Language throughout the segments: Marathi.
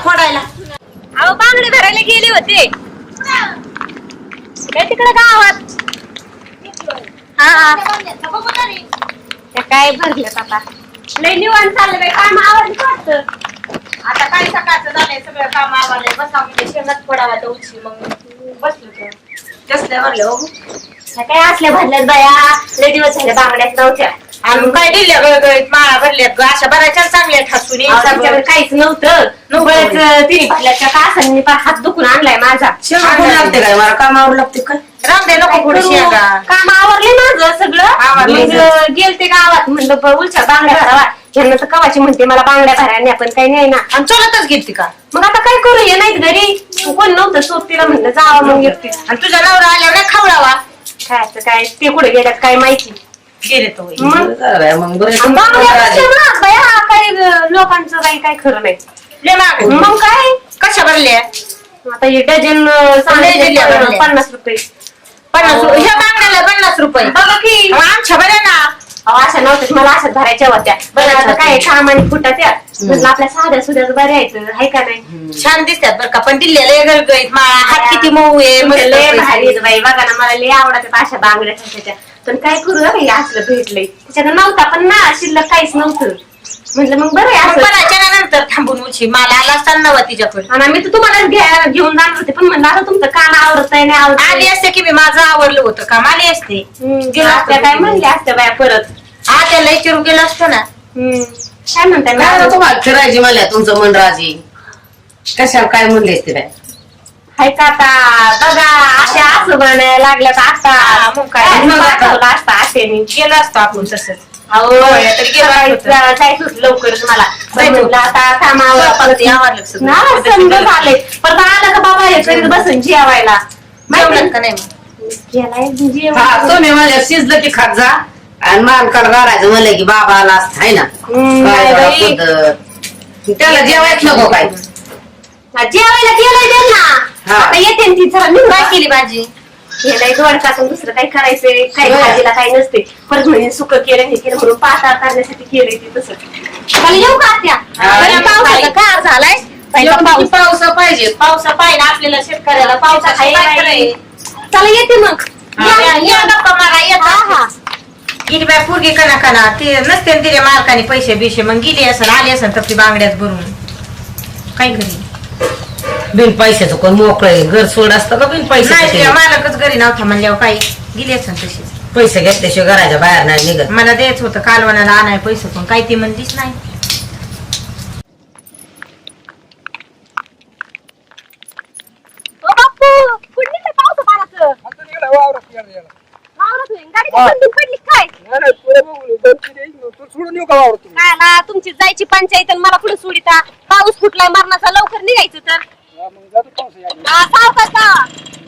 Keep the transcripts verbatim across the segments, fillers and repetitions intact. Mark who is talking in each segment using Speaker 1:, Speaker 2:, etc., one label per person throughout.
Speaker 1: फोडायला.
Speaker 2: अहो बांगडे भरायला गेले होते तिकडे गावात. हा काय भरलेत आता लय निवांत चाललं बाई. काम आवडलं वाटतं.
Speaker 1: आता काय सकाळचं झालंय सगळं काम आवडलंय. बसा म्हणजे शेंगात फोडावा तर उशी मग बसलो तर कसल्या भरल्या हो
Speaker 2: काय असल्या भरल्यात बाया. लय दिवस झाले बांगड्यात नव्हत्या.
Speaker 1: आणि काय दिल्या गळगळीत माळा भरल्यात अशा बऱ्याच्या चांगल्या ठासून
Speaker 2: त्याच्याकडे काहीच नव्हतं. बरंच तिने भरल्याच्या तासांनी हात दुखून आणलाय माझा.
Speaker 1: लागते काय मला कामावर लागते काय रामदे नको पुढे शेंगा.
Speaker 2: काम आवरले माझं सगळं. गेलते गावात म्हणलं उलच्या बांगड्या भरावा. यांना तर कवाची म्हणते मला बांगड्या भरायला आपण काही नाही ना.
Speaker 1: आणि चलतच घेतली का
Speaker 2: मग आता काय करू ये नाहीत घरी. कोण नव्हतं सोबतीला म्हणलं जावं मग येते.
Speaker 1: आणि तुझ्या नवरा आल्यावर नाही खावडावा
Speaker 2: खायचं काय ते कुठे गेल्यात काय माहिती.
Speaker 1: गेले तो
Speaker 2: काही लोकांचं काही काय खरं नाही. मग काय
Speaker 1: कशा भरल्या
Speaker 2: आता हे डझन पन्नास रुपये.
Speaker 1: पन्नास रुपये ह्या बांगड्याला पन्नास रुपये
Speaker 2: बघा की
Speaker 1: आमच्या बऱ्या ना.
Speaker 2: अशा नव्हत्या मला अशाच भरायच्या होत्या. बरं आता काय काम आणि फुटाच्या म्हणलं आपल्या साध्या सुध्याच बऱ्या आहेत आहे का नाही.
Speaker 1: छान दिसतात बरं का पण दिल्लीला गळगळीत माळा हात किती मऊ आहे.
Speaker 2: लय भारी आहेत बाई. बघा ना मला लय आवडतात अशा बांगड्या त्याच्या. पण काय करू बाई असलं भेटलंय. त्याच्याकडे नव्हता पण ना शिल्लक काहीच नव्हतं. म्हटलं मग बरं आहे
Speaker 1: नंतर थांबून उची मला आला असताना नवा तिच्याकडे.
Speaker 2: आणि मी तर तुम्हाला घ्या घेऊन जाणार होते पण म्हणलं आता तुमचं काम आवडत नाही आवडत.
Speaker 1: आली असते की मी माझं आवडलं होतं काम आली असते.
Speaker 2: काय म्हणले असते बाया परत.
Speaker 1: हा त्याला विचारून गेलं असतं ना.
Speaker 2: काय म्हणताय
Speaker 3: तुम्हाला फिरायची मला तुमचं मन राजी कशाला काय म्हणले ते बाय
Speaker 2: हाय का आता बघा अशा असं बनायला लागल्या तर आता मग काय असता असेने
Speaker 1: गेलं असतं आपण तसंच.
Speaker 2: जायचं होतं लवकरच मला. म्हणलं आता कामावर झालंय परत आलं का बाबा हे करीत बसून जेवायला
Speaker 1: जेवलं का नाही
Speaker 3: तुम्ही मला शिजलं की खात जा. आणि मालकाला गारायचं म्हणलं की बाबा आला असत आहे ना. त्याला जेवायच नको काय
Speaker 2: जेवायला केलंय त्यांना आता येते ती जरा निवडा केली भाजी. केलंय दोडकातून दुसरं काही करायचंय काही भाजीला काही नसते. परत म्हणजे सुकं केलं हे केलं म्हणून पाताळ करण्यासाठी केलंय ते तसं. मला येऊ का त्या पावसाचा कार झालाय.
Speaker 1: पाऊस पाहिजे पावसा पाहिजे आपल्याला शेतकऱ्याला पावसा
Speaker 2: चला येते मग
Speaker 1: गप्पा मारा येत. गेली बाय पोरगी कना कना ते नसते तिच्या मालकाने पैसे बिशे मग गेली असेल आली असेल तर ती बांगड्यात भरून काय घरी
Speaker 3: बिन पैशाचं कोण मोकळे घर सोड असतं का बिन पैसे.
Speaker 1: मालकच घरी नव्हता म्हणल्यावर काही गेली असेल तशीच.
Speaker 3: पैसे घेतल्याशिवाय घराच्या बाहेर नाही निघत.
Speaker 1: मला द्यायच होतं कालवणाला आणाय पैसे पण काही ती म्हणलीच नाही.
Speaker 2: तुमची जायची पंचायत आणि मला पुढे सोडिता. पाऊस फुटलाय मरणाचा लवकर निघायचं तर सावकाश का.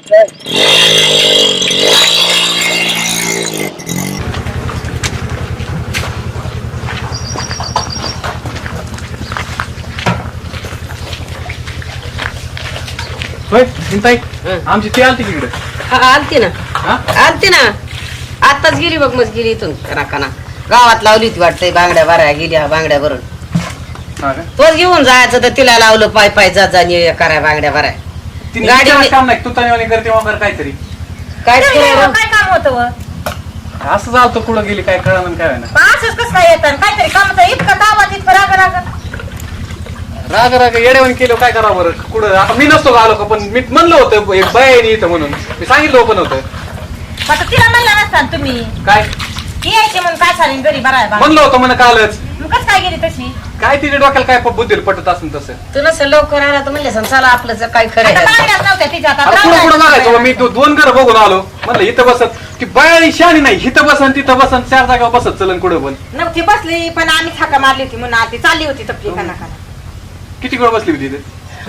Speaker 4: आमची ती आलती तिकडे
Speaker 3: आलती ना आलती ना आताच गेली बघ मग गेली इथून कना गावात लावली ती वाटतंय बांगड्या भराया गेल्या बांगड्या भरून. तोच घेऊन जायचं तर तिला लावलं पाय पाय जा जा कराय बांगड्या भराय.
Speaker 4: गाडी काम नाही तू तरी करते वगैरे काहीतरी
Speaker 3: काय
Speaker 1: काय काम होतं
Speaker 4: असं चालतं कुठं गेली काय कळलं काय ना
Speaker 1: असंच कसं काय येतं काहीतरी काम इतकं दावात इतकं राग राग
Speaker 4: राग राग येड्यावानी केलं काय करावं बरं कुठं. आता मी नसतो आलो का पण मी म्हणलं होतं एक बाई इथं म्हणून मी सांगितलं पण होतं.
Speaker 1: आता तिला म्हणलं नसताना तुम्ही
Speaker 4: काय
Speaker 1: यायचे म्हणून काय झाले घरी भरायला
Speaker 4: म्हणलं होतं म्हणे कालच.
Speaker 1: कसं काय गेली तशी
Speaker 4: काय तिच्या डोक्याला काय बुद्धीला पटत असेल तसं.
Speaker 3: तू नसं लवकर आला तर म्हणले चला आपलं काय खरं
Speaker 1: नव्हत्या तिच्या
Speaker 4: पुढं पुढं मागायचो मी दोन घर बघून आलो म्हणलं इथं बसत की बाई शाणी नाही इथं बसन तिथं बसन चार जागा बसत चलन कुठं पण
Speaker 1: नव्हती बसली पण आम्ही थाका मारली होती म्हणून आधी चालली होती तपली कना कना.
Speaker 4: किती वेळ बसली होती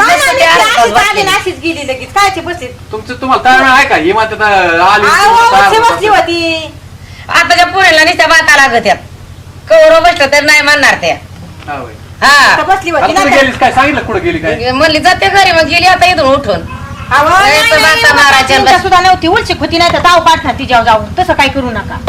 Speaker 1: अशीच गेली लगेच काय बसली
Speaker 4: तुमचं तुम्हाला काय वेळ आहे का ही मात्र आली
Speaker 1: बसली होती.
Speaker 3: आताच्या पुरेला नुसत्या बाता लागत यात कवर बसलं तर नाही म्हणणार त्या. हा
Speaker 1: बसली होती
Speaker 4: गेलीस काय सांगितलं कुठं गेली काय
Speaker 3: म्हणली जाते घरी मग गेली आता इथून उठून
Speaker 1: सुद्धा नव्हती उलचिक होती नाही तर ताव पाठणार तिच्यावर जाऊन तसं काय करू नका.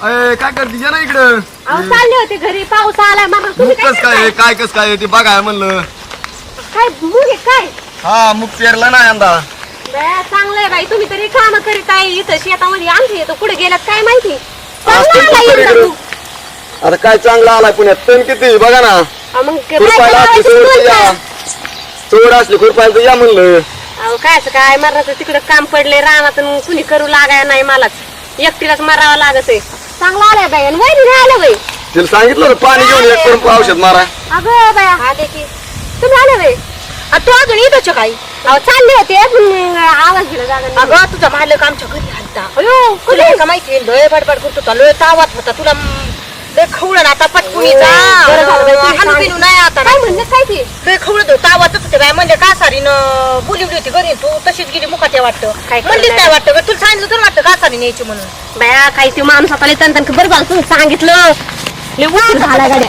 Speaker 5: अय काय करते या ना इकडं
Speaker 2: अहो चालले होते घरी, पाऊस आलाय मग तुम्ही
Speaker 5: मुग
Speaker 2: काय
Speaker 5: कस काय आहे, काय कस काय आहे ते बघाय म्हणलं.
Speaker 2: काय मूग आहे काय?
Speaker 5: हा मुग पेरला ना यंदा.
Speaker 2: बया, चांगलंय बाई, तुम्ही तरी काम करीत आहे इथं शेतामध्ये. आमच्या येतो कुठे गेलात काय माहिती. चांगलं
Speaker 5: असतं
Speaker 2: आलाय
Speaker 5: कुठं
Speaker 2: यंदा
Speaker 5: इकडं.
Speaker 2: मूग.
Speaker 5: आता काय चांगला आलाय पुण्यात तण किती बघा ना.
Speaker 2: अहो, मग काय
Speaker 5: खुरपायला असली
Speaker 2: करायचं
Speaker 5: सोड तर या
Speaker 2: तुम्हाला?
Speaker 5: सोड असली खुरपायला तर या म्हणलं.
Speaker 2: अहो काय असं काय मरणाचं तिकडं काम पडले रानात आणि कुणी करू लागाय नाही मलाच एकटीलाच मरावं लागत आहे. चांगलं आलंय बाई आणि वैरी नाही आलं बाई.
Speaker 5: तिला सांगितलं होतं पाणी घेऊन एक पण औषध मारा.
Speaker 2: अगं बाया आले की तुम्ही आले बाई.
Speaker 1: तू अजून येतोच काही
Speaker 2: अहो चालले होते पण आवाज दिला जागा नाही.
Speaker 1: अगं तुझा मालक आमच्या घरी आलता.
Speaker 2: अयो
Speaker 1: तुला हे का माहिती लय बडबड करत होता, लय तावात होता. तुला म, लय खवळण आता पटकुणीचा
Speaker 2: बरं झालं बाई, तुम्ही
Speaker 1: हाणू बिनू नाही आता
Speaker 2: काय म्हणलं काय ते?
Speaker 1: लय खवळत होता, तावातच होते बाय. म्हणजे कासारीनं बोलिवली होती घरी, तू तशीच गेली मुखात वाटतं.
Speaker 2: काय
Speaker 1: म्हणलीच
Speaker 2: करणार?
Speaker 1: नाही वाटतं गं. तुला सांगितलं तर वाटतं कासारी न्यायची म्हणून.
Speaker 2: बाया काही ते माणूस आता लय तन बरं झालं तुम्ही सांगितलं. लय उशीर झाला गाड्या.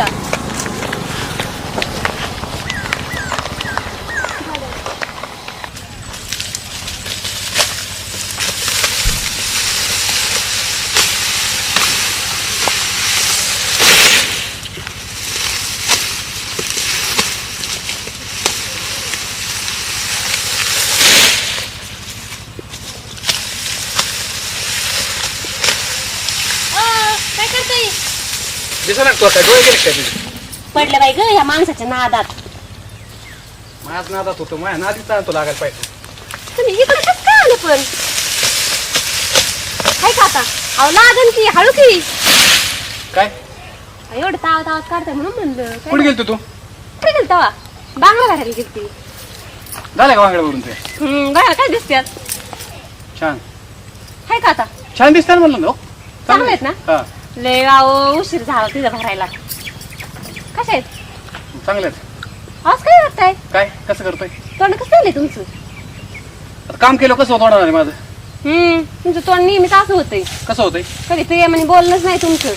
Speaker 2: काय करतोय?
Speaker 4: दिसा ना तू काय डोळे गेले काय तुझे?
Speaker 2: पडलं बाई ग या माणसाच्या नादात.
Speaker 4: माझ नादात होतो माझ्या नादीच तो लागायला पाहिजे.
Speaker 2: तुम्ही इकडे कसं काय आले पण? काय का आता? अहो लागन की हळू की.
Speaker 4: काय
Speaker 2: एवढं ताव तावत काढताय म्हणून म्हणलं.
Speaker 4: कुठे गेलतो तू?
Speaker 2: कुठे गेल तवा? बांगला घालायला गेलती.
Speaker 4: झालं का वांगड्यावरून ते?
Speaker 2: हम्म बघा काय दिसत्यात.
Speaker 4: छान
Speaker 2: हाय का आता?
Speaker 4: छान दिसतात म्हणलं ना हो.
Speaker 2: चांगले आहेत ना?
Speaker 4: हा
Speaker 2: लय अहो उशीर झाला तिथं भरायला. कशा आहेत?
Speaker 4: चांगले आहेत.
Speaker 2: आज काय वाटतंय?
Speaker 4: काय कसं करतोय?
Speaker 2: तोंड कसं चाललंय तुमचं?
Speaker 4: आता काम केलं कसं होणार आहे माझं?
Speaker 2: हम्म तुमचं तोंड नेहमीच असं होतंय.
Speaker 4: कसं होतंय?
Speaker 2: कधी प्रेमाने बोलणंच नाही तुमचं.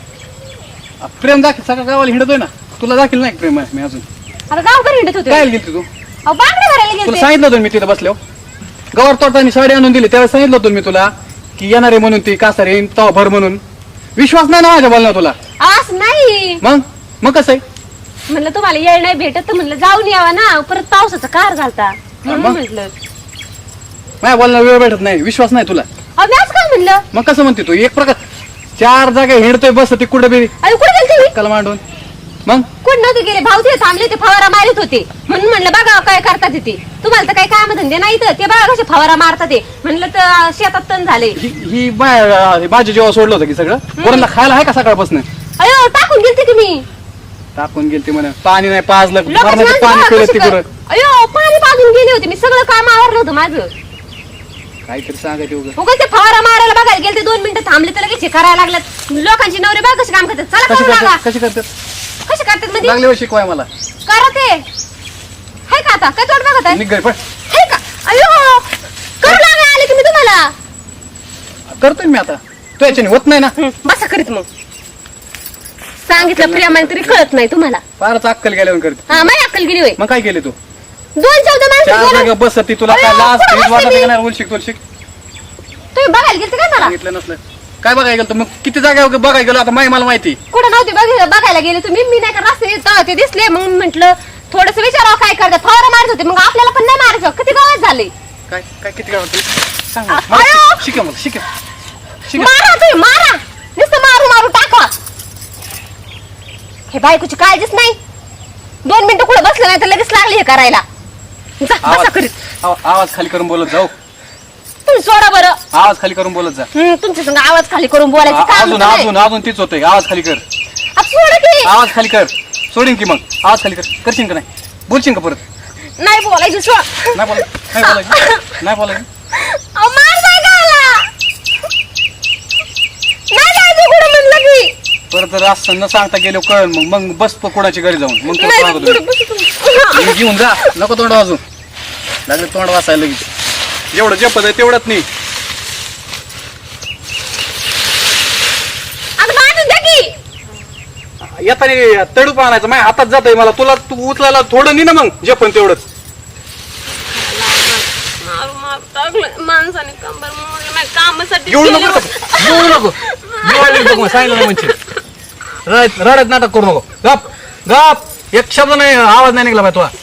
Speaker 4: आ, प्रेम दाखल सगळं गावाला हिंडतोय ना. तुला दाखल नाही प्रेम आहे मी अजून.
Speaker 2: आता गावकर हिंडत होते.
Speaker 4: काय गेलती तू?
Speaker 2: अहो बांगड्या भरायला
Speaker 4: तुला
Speaker 2: गेलते.
Speaker 4: सांगितलं होतं मी तिथं बसलो. गवर तोडताना साडी आणून दिली त्यावेळेस सांगितलं होतं मी तुला की येणार आहे म्हणून ती कासारी तवा भर म्हणून. विश्वास नाही ना माझ्या बोलणार तुला.
Speaker 2: असं नाही
Speaker 4: मग मग कसं आहे?
Speaker 2: म्हणलं तुम्हाला येळ नाही भेटत तर म्हणलं जाऊन यावा ना. परत पावसाचा कार घालता म्हणून
Speaker 4: मग?
Speaker 2: म्हटलं.
Speaker 4: माझ्या बोलणार वेळ भेटत नाही. विश्वास नाही तुला.
Speaker 2: अहो मी असं काय म्हणलं?
Speaker 4: मग कसं म्हणते तू? एक प्रकार चार जागा हिंडतोय बस ती कुठे बी
Speaker 2: अरे कुठे गेलते मी?
Speaker 4: कल मांडून. मग
Speaker 2: कुठे नव्हते गेले. भाऊ ते थांबले ते फवारा मारत होते म्हणून म्हणलं बघा काय करतात ते. तुम्हाला तर काही काम धंदे नाही तर ते बघा कसे फवारा मारतात ते. म्हणलं तर शेतात तण झाले.
Speaker 4: ही ही बाय- हे भाजी जेव्हा सोडलं होतं की सगळं वरणला खायला आहे का सकाळपासून?
Speaker 2: अयो टाकून गेलते की मी.
Speaker 4: टाकून गेलती म्हणे पाणी नाही पाजलं
Speaker 2: लोकांची
Speaker 4: मरणाचं
Speaker 2: माणसं
Speaker 4: पाणी
Speaker 2: बघा
Speaker 4: पिलं
Speaker 2: कशी
Speaker 4: ती
Speaker 2: कर-
Speaker 4: बरं.
Speaker 2: अयो पाणी पाजून गेले होते मी. सगळं काम आवरलं होतं माझं.
Speaker 4: काहीतरी सांगायचं उगं.
Speaker 2: उगाच ते फवारा मारायला बघायला गेले. दोन मिनिटं थांबले तर लगेच हे करायला लागल्यात. लोकांची नवरे बघ कसे काम करतात. चला
Speaker 4: कशी
Speaker 2: करू लागा.
Speaker 4: करतात कशी करतात
Speaker 2: कसे करतात मध्ये
Speaker 4: लागले हो शिकवाय मला.
Speaker 2: करा ते. हाय का आता काय तोड बघत आहे?
Speaker 4: निघ घरी पण
Speaker 2: हाय का? अयो करू लागा आले की मी तुम्हाला.
Speaker 4: करतोय मी आता. तू याच्याने होत नाही ना.
Speaker 2: हं, बसा करीत मग. सांगितलं प्रेमाने तरी कळत नाही तुम्हाला.
Speaker 4: फारच अक्कल गेल्यावर करते.
Speaker 2: हा माझी अक्कल गेली होय.
Speaker 4: मग काय केले तू?
Speaker 2: दोन चौदा माणसं
Speaker 4: चार
Speaker 2: बोलून-
Speaker 4: जागा बस ती तुला काय
Speaker 2: अयो,
Speaker 4: लाज
Speaker 2: कुठं
Speaker 4: भीज
Speaker 2: बसले
Speaker 4: वाटत
Speaker 2: मी?
Speaker 4: नाही उलशिक तुलशिक
Speaker 2: तुम्ही बघायला गेलते काय मला?
Speaker 4: सांगितलं नसलं काय बघायला गेलं मग किती जागा बघायला गेलो आता माही मला माहिती.
Speaker 2: कुठं नव्हते बघ- बघायला गेले तुम्ही. मी नाही का रस्ते येत ते दिसले म्हणून म्हंटल थोडस विचारावं काय करतात. फवारा मारत होते मग आपल्याला पण नाही मारायचं. किती गावात झाले.
Speaker 4: काय काय किती काय होतं सांग
Speaker 2: अ-
Speaker 4: मला.
Speaker 2: अयो!
Speaker 4: शिक- शिकव मला शिकव शिकव.
Speaker 2: मारा तुम्ही मारा. नुसतं मारू मारू टाका. हे बायकोची काळजीच नाही. दोन मिनिटं कुठं बसलं नाही तर लगेच लागली हे करायला. जा, बसा
Speaker 4: आवाज
Speaker 2: करीत.
Speaker 4: आव- आवाज खाली करून बोलत जाऊ.
Speaker 2: तुम्ही सोडा बरं.
Speaker 4: आवाज खाली करून बोलत जा.
Speaker 2: हम्म, तुमच्या संग आवाज खाली करून बोलायचं
Speaker 4: आ-
Speaker 2: काम
Speaker 4: अजून
Speaker 2: नाही.
Speaker 4: अजून अजून तीच होते. आवाज खाली कर.
Speaker 2: आ, सोडा की.
Speaker 4: आवाज खाली कर. सोडीन की मग आवाज खाली कर. करशील का नाही? बोलशील का परत?
Speaker 2: नाही बोलायचं सोड.
Speaker 4: नाही बोला नाही बोलायचं नाही बोलायचं.
Speaker 2: अहो, मार नाही घाला. नाही जायचं कुठं म्हणलं की.
Speaker 4: परत जर असं न सांगता गेलो कळ मग मग बस प- कोणाची घरी जाऊन मग तुला
Speaker 2: नाही,
Speaker 4: सांगतो
Speaker 2: पुढं बसू तुम्ही.
Speaker 4: मी घेऊन जा. नको तोंड वाजून लागले तोंड वाचायला लगेच. जेवढं जपत आहे तेवढंच नाही.
Speaker 2: आता बांधून द्या की.
Speaker 4: येताना तडूप आणायचं माझ्या हातात जात आहे मला. तुला तू उचलायला थोडं नाही ना मग जे पण तेवढंच.
Speaker 2: मारू मारू टाकलं माणसाने कंबर मोडलं. माझ्या कामासाठी
Speaker 4: एवढं
Speaker 2: केलं
Speaker 4: नको
Speaker 2: होतं.
Speaker 4: एवढं नको दिवाळी बघ मग सांगितलं नाही म्हणजे रडत रडत नाटक करू नको गप गप एक शब्द नाही आवाज नाही निघला पाहिजे तुला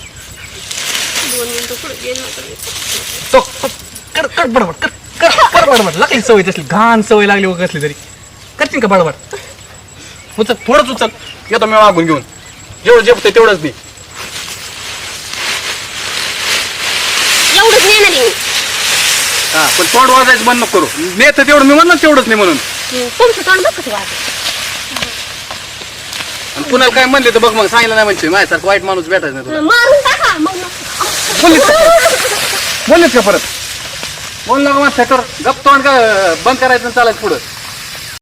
Speaker 4: तो कर कर बडबड कर कर कर बडबड लागली सवय तसली घाण सवय लागली वगैरे कसली तरी करतील का बडबड उचल थोडंच उचल येतो मी मागून घेऊन जेवढं जेवतोय तेवढंच मी
Speaker 2: एवढंच नेणार आहे.
Speaker 4: हा पण तोंड वाजायचं बंद नको करू नेत तेवढं मी म्हणणार तेवढंच नाही म्हणून
Speaker 2: तुमचं तोंड बघ कसं वाजतं.
Speaker 4: आणि कुणाला काय म्हणले तर बघ मग सांगितलं नाही म्हणजे माझ्यासारखं वाईट माणूस भेटायचं नाही तुला
Speaker 2: मारून टाका मग नको.
Speaker 4: बोललीस का बोललीस का परत बोल नका मग कर गप तोंड का बंद करायचं आणि चालायचं पुढं